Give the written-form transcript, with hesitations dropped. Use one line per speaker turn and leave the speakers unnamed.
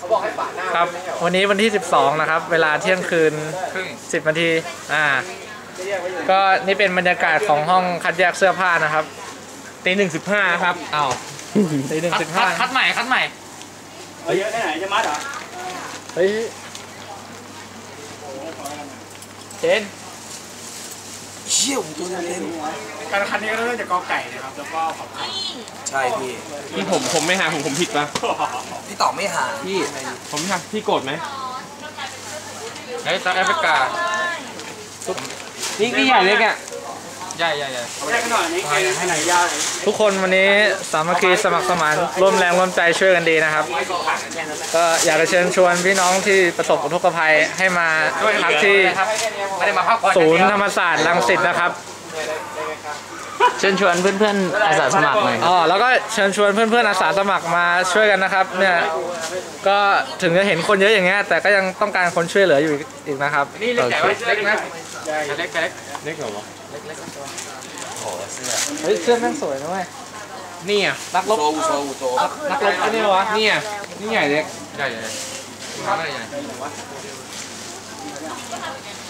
ครับวันนี้วันที่ 12 นะครับ เวลาเที่ยงคืน10 นาทีก็นี่เป็นบรรยากาศของห้องคัดแยกเสื้อผ้านะครับ
ตี 1:15ครับอ้าว
ตี 1:15
คัดใหม่
เยอะแค่ไหนจะมัดเหรอ
เฮ้ยเจน
เชี่ยวตัวเต็ม
การคันนี้ก็เริ่มจากกอไก่นะครับแล้วก็ขอบคุณ
ใช่พี่
ผมไม่หาผมผิดปะ
พี่ตอบไม่หาพี่
ผมไม่หาพี่โกรธไหม
ไอ้ซักแอฟริกา
นี่ใหญ่เล็กอ่ะ
ใหญ่
แค่หน่อยนี้ให้ไหนยาว
ทุกคนวันนี้สามัคคีสมัครสมานร่วมแรงร่วมใจช่วยกันดีนะครับก็อยากจะเชิญชวนพี่น้องที่ประสบอุทกภัยให้มาพักที่ศูนย์ธรรมศาสตร์รังสิตนะครับ
เชิญชวนเพื่อนๆอาสาสมัครหน่อย
แล้วก็เชิญชวนเพื่อนๆอาสาสมัครมาช่วยกันนะครับเนี่ยก็ถึงจะเห็นคนเยอะอย่างเงี้ยแต่ก็ยังต้องการคนช่วยเหลืออยู่อีกนะครับ
นี่เล็กนะเล็กเหรอวะ
โอ้เสื้อเฮ้ยเสื้อแม่งสวยนะเว้ย
นี่อ่ะ
นักรบนักรบอันนี้วะ
นี่อ่ะนี่ใหญ่เล็ก
ใหญ่